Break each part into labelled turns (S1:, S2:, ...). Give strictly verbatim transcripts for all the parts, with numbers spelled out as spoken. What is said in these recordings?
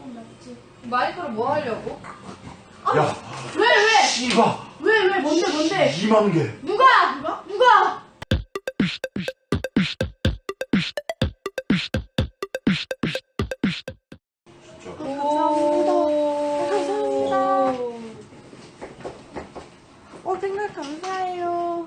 S1: 어, 맞지.
S2: 마이크로 뭐 하려고?
S1: 아,
S3: 야,
S1: 왜, 왜?
S3: 씨발.
S1: 왜, 왜, 뭔데, 뭔데?
S3: 이만 개.
S1: 누가? 누가? 누가?
S3: 진짜.
S1: 감사합니다. 감사합니다. 어, 생각 감사해요.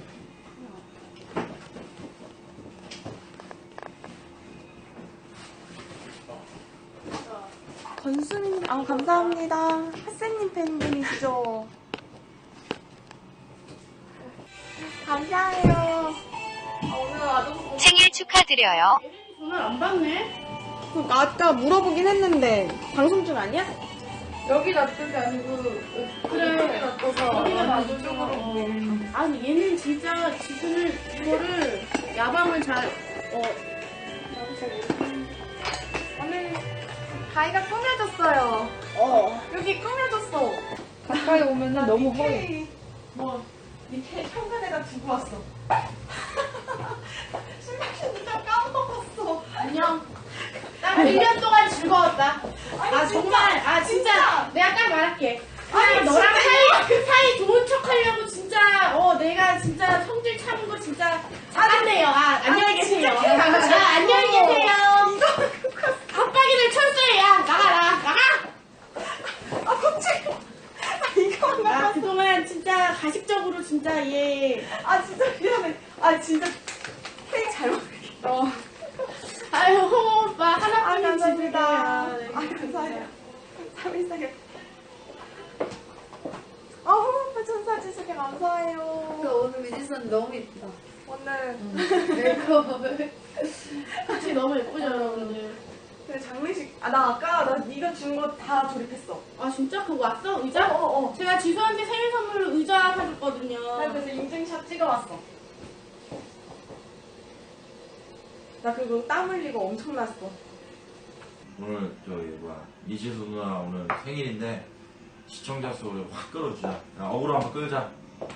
S1: 건수님, 아, 감사합니다. 핫세님 팬분이시죠? 감사해요. 아, 오늘 아주
S4: 생일 축하드려요.
S1: 전화를 안 받네? 그러니까 아까 물어보긴 했는데 방송 중 아니야?
S2: 여기 놔둔 게 아니고
S1: 그래.
S2: 여기 놔둬서
S1: 여기다 놔둬서.
S2: 이쪽으로 보이네.
S1: 아니 얘는 진짜 지금을 이거를 야밤을 잘 어. 나도 잘 모르겠는데.
S2: 오늘 가위가 꾸며졌어요.
S1: 어.
S2: 여기 꾸며졌어. 가까이 오면은 너무 허해.
S1: 뭐 밑에 현관에다 두고 왔어. 신발 신는 다 까먹었어. 안녕. 나 일 년 동안 즐거웠다. 아 정말 아 진짜 내가 딱 말할게. 아니 너랑 사이 사이 좋은 척 하려고 진짜 어 내가 진짜 성질 참은 거 진짜 잘했네요. 아 안녕히 계세요. 아 안녕히 계세요. 갑박이들 철수해. 야 나가라 나가. 아 깜짝이야. 아 이거 나 그동안 진짜 가식적으로 진짜 얘. 아 진짜 미안해. 아 진짜 케이크 잘 먹을게. 어. 아유 홍호 오빠 하나뿐인 집이다. 아 감사해요. 삼일사게. 아 홍호 오빠 천사 주시게 감사해요.
S2: 그 오늘 미지선 너무 예쁘다.
S1: 오늘
S2: 메이크업을.
S1: 같이 너무 예쁘죠 여러분들. 근데 장례식 아 나 아까 나 이거 준 거 다 조립했어. 아 진짜 그거 왔어 의자? 어어. 어. 제가 지수한테 생일 선물로 의자 사줬거든요. 나 그래서 인증샷 찍어왔어. 나 그거 땀 흘리고 엄청 났어.
S3: 오늘 저기 뭐야 미지수 누나 오늘 생일인데 시청자 수를 확 끌어주자. 야, 어그로 한번 끌자.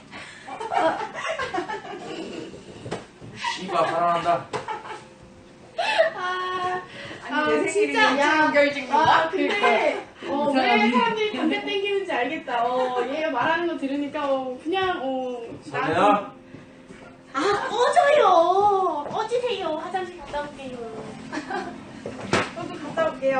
S3: 씨발 사랑한다.
S1: 아,
S2: 아니, 내 생일이
S1: 야,
S2: 결진
S1: 아, 근데 어,
S2: 이
S1: 왜
S2: 사람이.
S1: 사람들이 담배 땡기는지 알겠다. 어, 얘가 말하는 거 들으니까 어, 그냥 어.
S3: 선혜야?
S1: 아, 꺼져요. 꺼지세요. 화장실 갔다 올게요. 저도 갔다 올게요.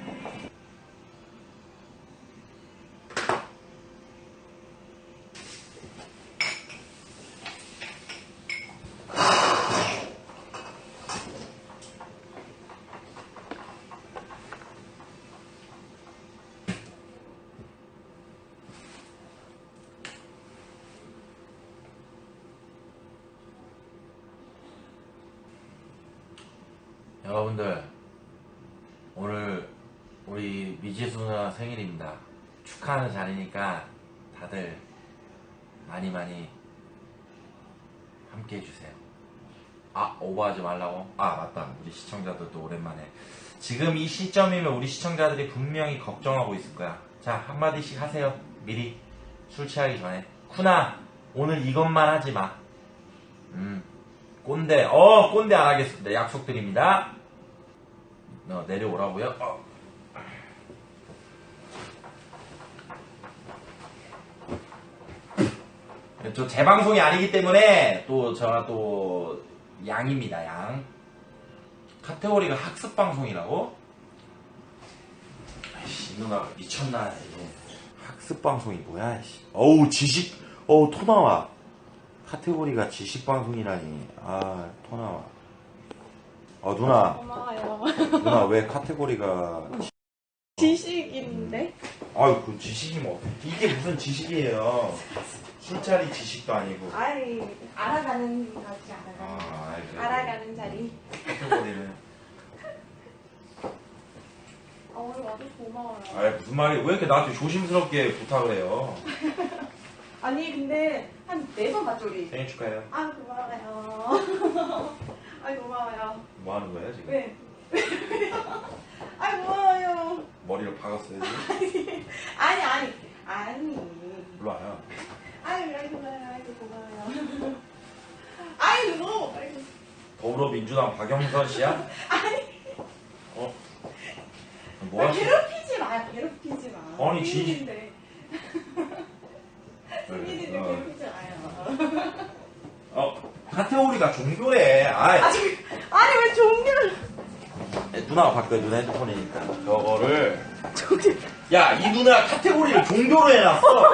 S3: 여러분들 오늘 우리 미지수 누나 생일입니다. 축하하는 자리니까 다들 많이 많이 함께 해주세요. 아 오버하지 말라고? 아 맞다 우리 시청자들도 오랜만에 지금 이 시점이면 우리 시청자들이 분명히 걱정하고 있을 거야. 자 한마디씩 하세요. 미리 술 취하기 전에. 쿠나 오늘 이것만 하지 마. 음 꼰대 어 꼰대 안 하겠습니다. 약속드립니다. 어, 내려오라고요? 어. 저 재방송이 아니기 때문에 또 제가 또 양입니다. 양 카테고리가 학습방송이라고? 아이씨 이 누나가 미쳤나 이거. 학습방송이 뭐야 이씨. 어우 지식 어우 토 나와. 카테고리가 지식방송이라니. 아 토 나와. 어 누나
S1: 고마워요.
S3: 누나 왜 카테고리가
S1: 지식인데?
S3: 아유 그 지식이 뭐 이게 무슨 지식이에요. 술자리 지식도 아니고.
S1: 아이, 알아가는 거지, 알아가는.
S3: 아, 알겠어요.
S1: 알아가는 자리.
S3: 카테고리는.
S1: 아, 오늘 와줘서 고마워요.
S3: 아 무슨 말이 왜 이렇게 나한테 조심스럽게 부탁을 해요.
S1: 아니, 근데 한 네 번 봤죠, 우리?
S3: 생일 축하해요.
S1: 아, 고마워요. 아이, 고마워요.
S3: 뭐 하는 거예요 지금?
S1: 왜? 아이, 고마워요.
S3: 머리를 박았어요 지금?
S1: 아니, 아니, 아니.
S3: 일로 와요.
S1: 아이, 아이, 고마워요. 아이, 고마워요. 아이, 뭐. 아이고.
S3: 더불어민주당 박영선 씨야?
S1: 아니.
S3: 어? 뭐야?
S1: 괴롭히지 마요. 괴롭히지 마.
S3: 아니, 진-
S1: 승민인데. 승민인데
S3: 어.
S1: 괴롭히지 마요.
S3: 어, 카테고리가 종교래. 아이,
S1: 아, 저기, 아니 왜 종교를?
S3: 누나가 바꿔, 누나 핸드폰이니까. 저거를. 야, 이 누나 카테고리를 종교로 해놨어.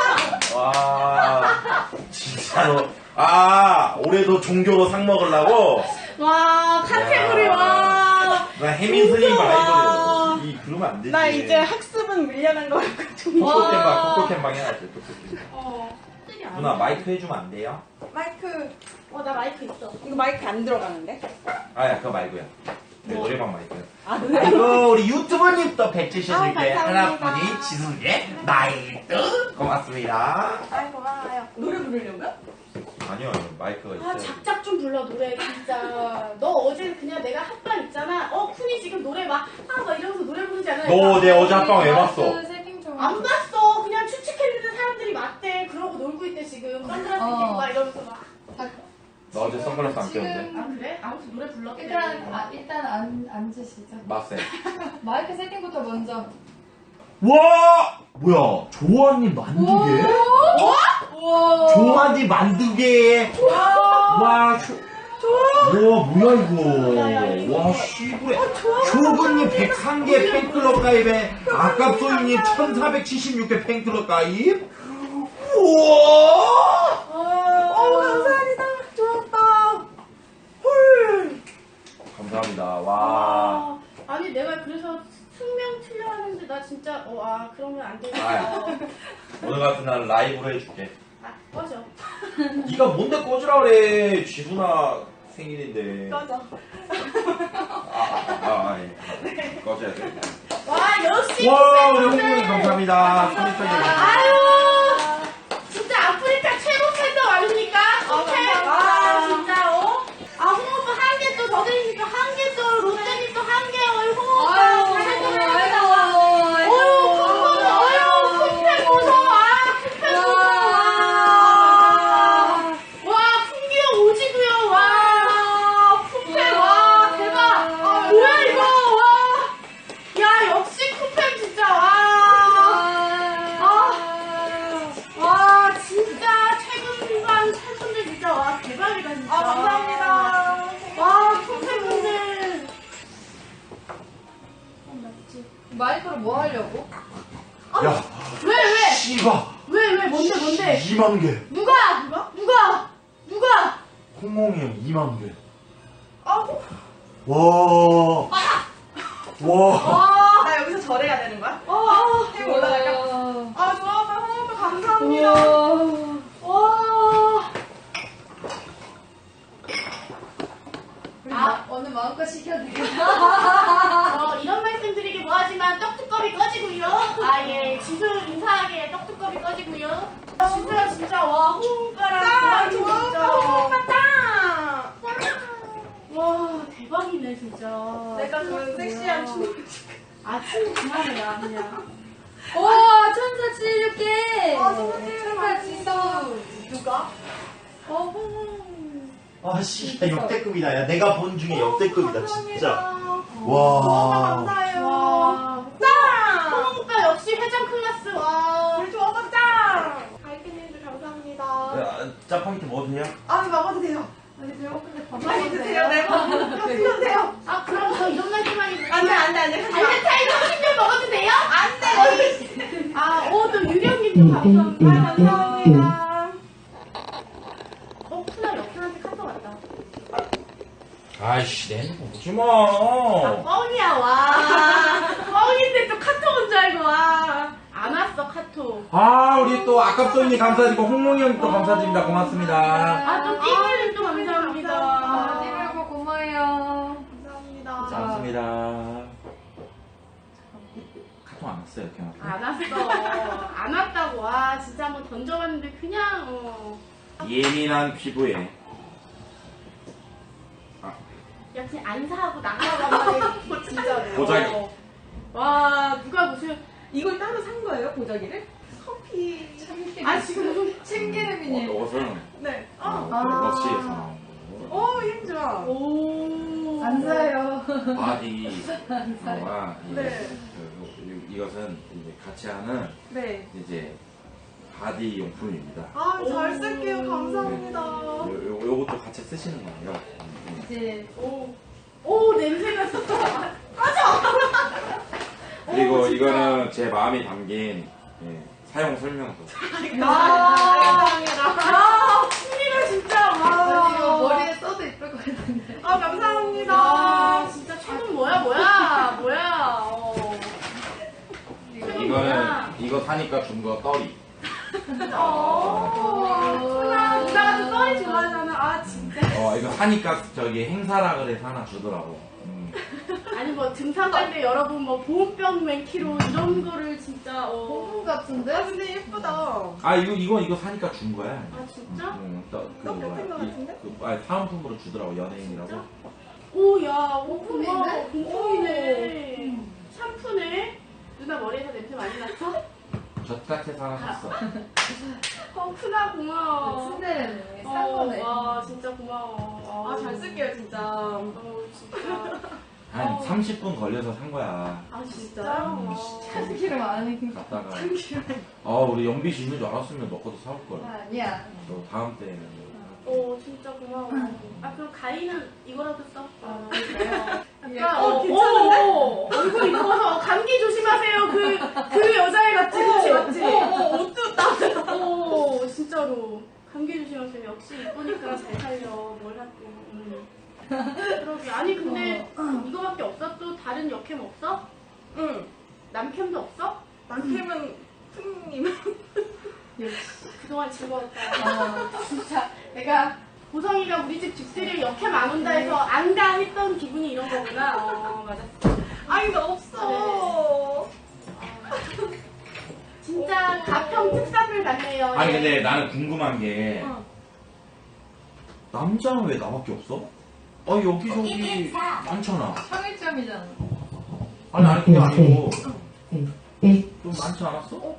S3: 와, 진짜로. 아, 올해도 종교로 상 먹으려고?
S1: 와 카테고리
S3: 야.
S1: 와.
S3: 나 혜민 스님
S1: 종교, 와.
S3: 바이블이야. 이, 그러면 안 되지.
S1: 나 이제 학습은 밀려난 거 같고 종교.
S3: 토토캔방, 토토캔방 해야지, 토토캔방.
S1: 어.
S3: 누나, 마이크 해주면 안 돼요?
S1: 마이크. 어 나 마이크 있어.
S2: 이거 마이크 안 들어가는데?
S3: 아야, 그거 말고요. 내
S1: 뭐?
S3: 노래방 마이크.
S2: 아, 그래?
S3: 아이고, 우리 유튜버님 또 백지셔줄게.
S1: 아, 감사합니다.
S3: 하나뿐이 지수게 나이트. 고맙습니다.
S1: 아이 고마워요. 노래 부르려고요?
S3: 아니요, 마이크가 있어요.
S1: 아 작작 좀 불러 노래 진짜. 너 어제 그냥 내가 합방 있잖아. 어 쿤이 지금 노래 막 아 막 이러면서 노래 부르지 않아?
S3: 너 내 어제 합방 왜 봤어?
S2: 세팅 좀.
S1: 안 봤어. 그냥 추측했는데 사람들이 맞대. 그러고 놀고 있대 지금. 선글라스
S2: 어.
S1: 끼고 막 이러면서 막.
S3: 너 어제 선글라스 안 꼈는데?
S1: 아 그래? 아무튼 노래 불렀대.
S4: 일단 아, 일단 안 앉으시죠.
S3: 맞세.
S4: 마이크 세팅부터 먼저.
S3: 와! 뭐야, 조아님 만두개?
S4: 우와.
S3: 조아님 만두개! 와, 조... 와, 뭐야, 이거. 와, 씨부레. 조근님 백삼 개 팬클럽 가입에 아깝소이님 천사백칠십육 개 팬클럽 가입? 우와!
S1: 어 감사합니다. 좋았다. 헐.
S3: 감사합니다. 와.
S1: 아, 아니 내가 그래서 숙명 틀려 하는데 나 진짜 어 아 그러면 안 되겠어.
S3: 아유. 오늘 같은 날 라이브로 해줄게.
S1: 아 꺼져.
S3: 네가 뭔데 꺼지라 그래. 지수나 생일인데.
S1: 꺼져.
S3: 아, 아, 아, 예. 꺼져야 돼.
S1: 와 역시.
S3: 와, 우리
S1: 팬분들.
S3: 홍보님 감사합니다. 소리편님.
S1: 아유 진짜 아프리카 최고 팬더 아닙니까? 오케이. 아 진짜 어? 아 홍오빠 한 개 또 더 드리니까 한 개 또 롯데님 또 한 개 어이 홍오빠
S4: 아유,
S1: 잘
S4: 아이고,
S1: 드립니다.
S4: 아이고.
S1: 어유 어유 큰 무서워. 아, 큰 무서워. 와, 풍기요 오지구요. 와, 쿤팬 와, 대박. 뭐야 이거? 와, 야 역시 쿤팬 진짜 와. 아, 와 진짜 최근 순간 팬분들 진짜 와 대박이다 진짜. 아 감사합니다. 와 쿤팬 분들.
S4: 마이크로 뭐 하려고?
S3: 야,
S1: 왜 왜?
S3: 씨바.
S1: 왜 왜 뭔데 뭔데?
S3: 이만 개.
S1: 누가? 누가? 누가? 누가?
S3: 홍홍이 형 이만 개.
S1: 아,
S3: 와. 와.
S1: 아,
S2: 나 여기서 절해야 되는 거야?
S1: 아,
S2: 이거 올라갈까?
S1: 아, 좋아봐, 홍오빠 감사합니다.
S4: 우와.
S1: 와,
S4: 아, 오늘 마음껏 시켜도 되겠다.
S1: 어, 이런 말씀 드리기 뭐하지만 떡두꺼비 꺼지고요. 아, 예, 지수 인사하게 떡두꺼비 꺼지고요. 지수야 진짜 와, 홍오빠랑 진짜.
S2: 홍오빠 짱!
S1: 와, 대박이네 진짜.
S2: 내가 좋아하는 섹시한 춤.
S1: 아, 춤 그만해라 그냥.
S4: 우와, 천사 칠십육 개.
S2: 아, 천사 칠십육 개.
S4: 천사 지수.
S2: 누가?
S1: 어, 홍.
S3: 아, 씨, 역대급이다. 야, 내가 본 중에 역대급이다, 진짜.
S1: 와.
S3: 와.
S2: 감사해요.
S1: 와.
S2: 짱!
S1: 홍오빠 역시 회장 클래스 와.
S2: 우리 조아빠 짱!
S1: 아이팬님들 감사합니다.
S3: 야, 짜파게티 먹어도 돼요?
S2: 아, 먹어도 돼요.
S4: 아니, 배고픈데 밥
S2: 많이
S4: 먹어도
S2: 드세요.
S4: 돼요?
S2: 네, 밥 드세요.
S1: 아 그럼 저 이런 말씀만 있어요.
S2: 안 돼, 안 돼, 안 돼. 하지 마.
S1: 발렌타인 삼십 년 먹어도 돼요?
S2: 안 돼!
S1: 아, 오, 또 유령님도 감사합니다.
S2: 아, 감사합니다.
S1: 어, 푸나 옆사람한테 카톡 왔다.
S3: 아이씨, 내 핸드폰 보지
S1: 아,
S3: 마.
S1: 뻥이야, 와. 뻥인데 또 카톡 온 줄 알고, 와. 안 왔어, 카톡.
S3: 아, 우리 또 아깝소이님 감사드리고, 홍몽이 형님 또 감사드립니다. 고맙습니다.
S1: 아, 또 띠기님 또 감사합니다.
S4: 아, 띠말고 고마워요.
S1: 감사합니다.
S3: 감사합니다. 카톡 안 왔어요, 이렇게.
S1: 안 왔어. 안 왔다고. 와, 진짜 한번 던져봤는데, 그냥, 어.
S3: 예민한 피부에.
S1: 야, 그냥 안 사고 나가라고 한마디 진짜로.
S3: 보자기.
S1: 어. 와, 누가 무슨.
S2: 이걸 따로 산 거예요, 보자기를? 커피.
S1: 아, 지금 무슨.
S4: 참기름이네.
S3: 어, 이것은
S2: 네.
S3: 어,
S2: 어.
S3: 러시에서 나온 거.
S2: 오, 힘 좋아.
S1: 오.
S4: 안 사요.
S3: 바디.
S4: 안 사요.
S3: 와, 이
S2: 네.
S3: 이것은 이제 같이 하는
S2: 네.
S3: 이제 바디 용품입니다.
S2: 아, 잘 쓸게요. 감사합니다.
S3: 요, 요, 요것도 같이 쓰시는 거예요. 음,
S4: 이제
S1: 오, 오 냄새가 진짜.
S3: 그리고
S1: 오, 진짜.
S3: 이거는 제 마음이 담긴 예, 사용 설명서.
S1: 아, 아, 취미가 진짜.
S4: 나 이거
S1: 와.
S4: 머리에 써도 이쁠 것 같은데.
S2: 아, 감사합니다.
S1: 아, 진짜 최근 뭐야, 뭐야, 뭐야. 어.
S3: 이거는 이거 사니까 준 거 떠리.
S1: 어. 누나, 누나가 또 썰이 좋아하잖아. 아, 진짜.
S3: 어 이거 사니까 저기 행사라 그래서 하나 주더라고. 음.
S1: 아니, 뭐, 등산 갈 때 여러분, 뭐, 보온병 몇 킬로, 이런 거를 진짜, 어.
S4: 봄 같은데?
S2: 아, 근데 예쁘다.
S3: 아 이거 이거 이거 사니까 준 거야.
S1: 아, 진짜?
S3: 응, 또, 그
S2: 똑같은
S3: 뭐야,
S2: 거
S3: 이-
S2: 같은데?
S3: 그, 아니, 사은품으로 주더라고 연예인이라고.
S1: 오, 야, 오,
S4: 공품이네?
S1: 고마워. 공품이네. 샴푸네. 누나 머리에서 냄새 많이 났어?
S3: 젖같아서 하나 샀어.
S1: 어, 크나 고마워.
S4: 순대네. 산
S1: 어,
S4: 거네.
S1: 와, 진짜 고마워.
S2: 아, 잘 쓸게요, 진짜.
S1: 어, 진짜.
S3: 한
S1: 어.
S3: 삼십 분 걸려서 산 거야.
S1: 아, 진짜?
S2: 음,
S1: 와.
S4: 참기름 안 해.
S3: 갔다가. 아 우리 연비 씨 있는 줄 알았으면 너 것도 사올 걸.
S4: 아니야.
S3: 너 다음 때에는.
S1: 어, 진짜 고마워. 아, 그럼 가위는 이거라도 써?
S4: 아,
S1: 약간,
S4: 약간,
S1: 어,
S2: 어, 괜찮은데?
S1: 어, 얼굴 이뻐서 감기 조심하세요. 그, 그 여자애 같지? 그치, 맞지?
S2: 어, 어, 옷도 딱.
S1: 어, 진짜로. 감기 조심하세요. 역시 이쁘니까 잘 살려. 뭘 하고. 음. 그러게. 아니, 근데 이거밖에 없어? 또 다른 역캠 없어?
S2: 응.
S1: 남캠도 없어?
S2: 남캠은 푸님.
S1: 그동안 즐거웠다. 진짜 내가 보성이가 우리 집 집들이 역캠 안 온다 해서 안가 했던 기분이 이런 거구나. 어, 맞았어.
S2: 아니, 나 없어.
S1: 진짜 가평 특산물 같네요.
S3: 아니
S1: 예.
S3: 근데 나는 궁금한 게
S1: 어.
S3: 남자는 왜 나밖에 없어? 아 여기저기 많잖아.
S4: 청일점이잖아.
S3: 아니 아니 그게 아니고 좀 많지 않았어?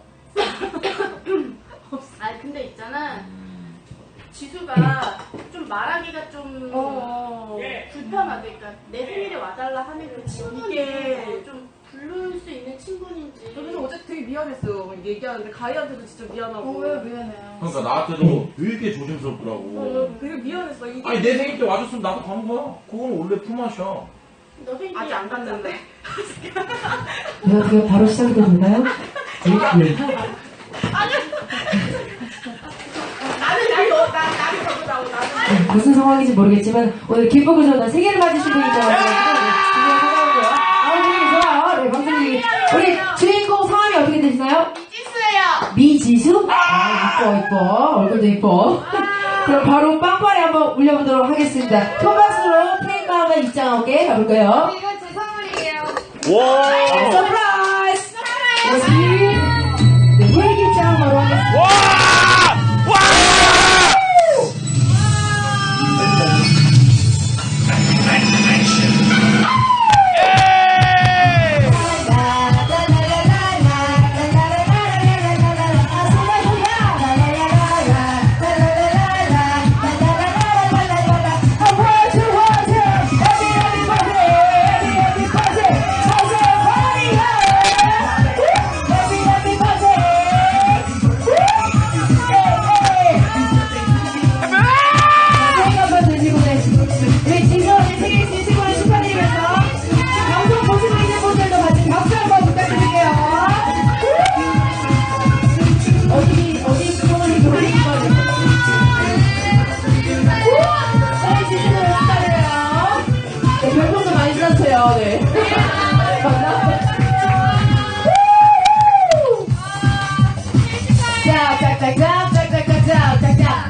S1: 아 근데 있잖아.
S3: 음.
S1: 지수가 좀 말하기가 좀
S2: 어.
S1: 불편하대. 그러니까 내 생일에 와달라 하는 그 친구는
S2: 이게-
S1: 좀 부를 수 있는 친구인지.
S2: 그래서 어제 되게 미안했어요. 얘기하는데 가희한테도 진짜 미안하고.
S4: 어, 왜 미안해요.
S3: 그러니까 나한테도 되게 조심스럽더라고.
S2: 어, 되게 미안했어. 이게
S3: 아니 내 생일 때 와줬으면 나도 가는 거야. 그건 원래 품앗이야.
S1: 너 생일이
S2: 아직 안 갔는데.
S5: 안녕하세요. 바로 시작이 되나요? 네.
S1: 나는 나이 너, 나, 나이 저거 나고 나는.
S5: 무슨 상황인지 모르겠지만 오늘 기쁘고 좋은 생일을 맞으신 분이죠. 네, 분명 찾아오고요. 아, 분위기 좋아요. 네, 방송이 우리 주인공 성함이 어떻게 되시나요?
S1: 이지수예요.
S5: 미지수? 아, 이뻐, 이뻐. 얼굴도 이뻐. 그럼 바로 빵빠레 한번 울려보도록 하겠습니다. 큰 박수로 테이크아웃에 입장하게 가볼까요?
S4: 이거 제 선물이에요.
S5: 네, 서프라이즈! 네, 케이크 입장 바로 하겠습니다. 별풍도 많이 주셨어요. 네. 자, 짝짝짝, 짝짝짝짝, 짝짝.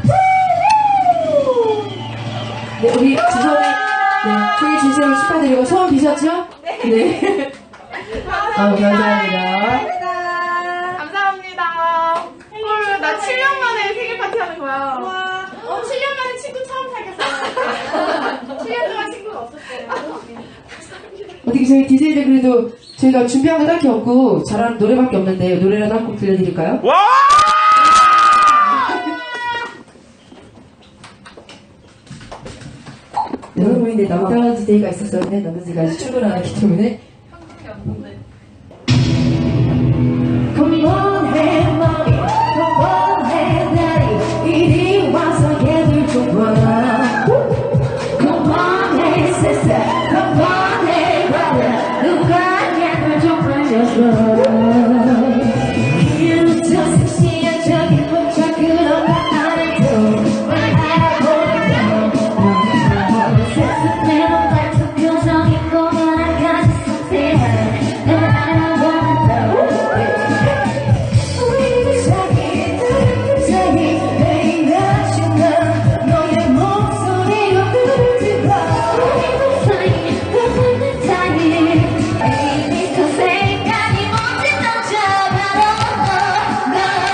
S5: 네, 우리 지선이, 네, 생일 진심으로 축하드리고 소원 비셨죠? 네. 아, 감사합니다.
S2: 감사합니다.
S1: 헐, 나 칠 년 만에 생일 파티 하는 거야. 와. 어, 칠 년 만에 친구 처음 사귀었어. 칠 년 동안 친구가 없었어요.
S5: 어떻게 저희 디제이들 그래도 저희가 준비한 거 딱히 없고 잘하는 노래밖에 없는데 노래라도 한 곡 들려드릴까요? 네, 여러분 근데 남자 디제이가 있었었는데 남자 디제이가 아직 출근을 안 했기 때문에
S4: 현금이 없는데.
S5: 이유도 섹시한 저기 포착 그런 안 해도 왜 알아보는 세습대로 발톱 표정이 보면 아까지 섬세한 널 알아보는 우리 사이 사이 매일 아침만 너의 목소리로 들을지봐 우리 사이 흐르는 사이 Baby 그 생각이 뭔지 넌 잡아놓아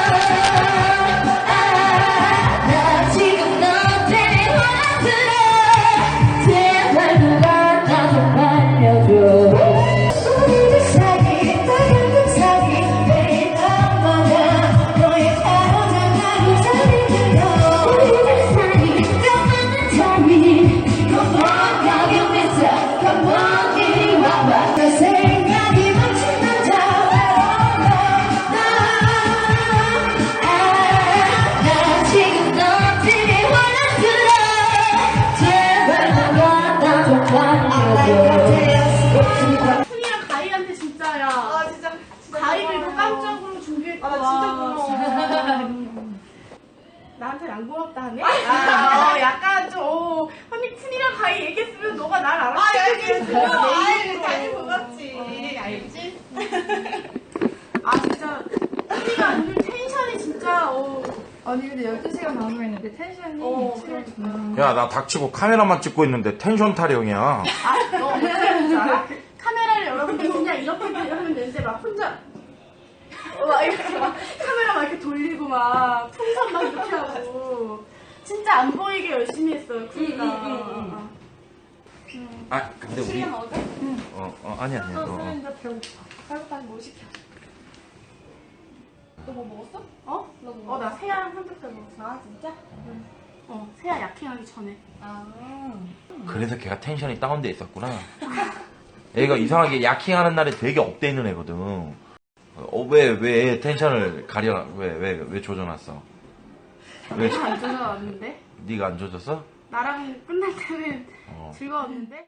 S5: 나 지금 너 때문에 화들어 제발 누가 나 좀 알려줘 우리 사이 따뜻한 사이 매일 밤마다 너의 하루장하루 잠이 들어 우리 사이 떠나는 사이 Come on 가격 비싸 Come on 이리 와봐 내 생각이 멈춘 난 잡아놓아 나 지금 너 때문에 화들어 제발 누가 나 좀 알려줘
S1: 쿤이랑 가희한테 진짜야.
S4: 아 진짜 진짜
S1: 가희를 이거
S4: 고마워요.
S1: 깜짝으로 준비했고.
S4: 아, 나 진짜 고마워.
S1: 나한테 안 고맙다 하네? 아, 어, 약간 좀, 어, 언니 쿤이랑 가희 얘기했으면 너가 날 알았을
S4: 아
S1: 텐데.
S4: 알겠어. 아이 당연히 고맙지.
S1: 알지? 아, 진짜. 쿤이가 오늘 텐션이 진짜, 어.
S4: 아니 근데 열두 시간 방송했는데 텐션이
S1: 어,
S4: 칠했구나.
S3: 야, 나 닥치고 카메라만 찍고 있는데 텐션 타령이야.
S1: 아, 너 어떻게 하는 줄 알아? 카메라를 여러분들 그냥 이렇게 하면 되는데 막 혼자 어, 막 이렇게 막 카메라 막 이렇게 돌리고 막 풍선 막 이렇게 하고 진짜 안 보이게 열심히 했어요 쿤이가.
S3: 아, 근데 우리.
S4: 술이나 먹을까?
S3: 어, 어, 아니, 아니. 어,
S4: 술
S3: 어.
S4: 이제 배고파. 배고파 뭐 시켜? 너 뭐 먹었어?
S1: 어?
S4: 너 뭐?
S1: 어, 나 세아랑 삼겹살 먹었어.
S4: 아 진짜?
S1: 어, 세아 약행하기 전에.
S4: 아.
S3: 그래서 걔가 텐션이 다운돼 있었구나. 얘가 이상하게 야킹하는 날에 되게 업돼 있는 애거든. 어, 왜, 왜 텐션을 가려, 왜, 왜, 왜 조져놨어? 왜,
S1: 내가 안 좋아왔는데
S3: 네가 안 조졌어?
S1: 나랑 끝날 때는
S3: 어.
S1: 즐거웠는데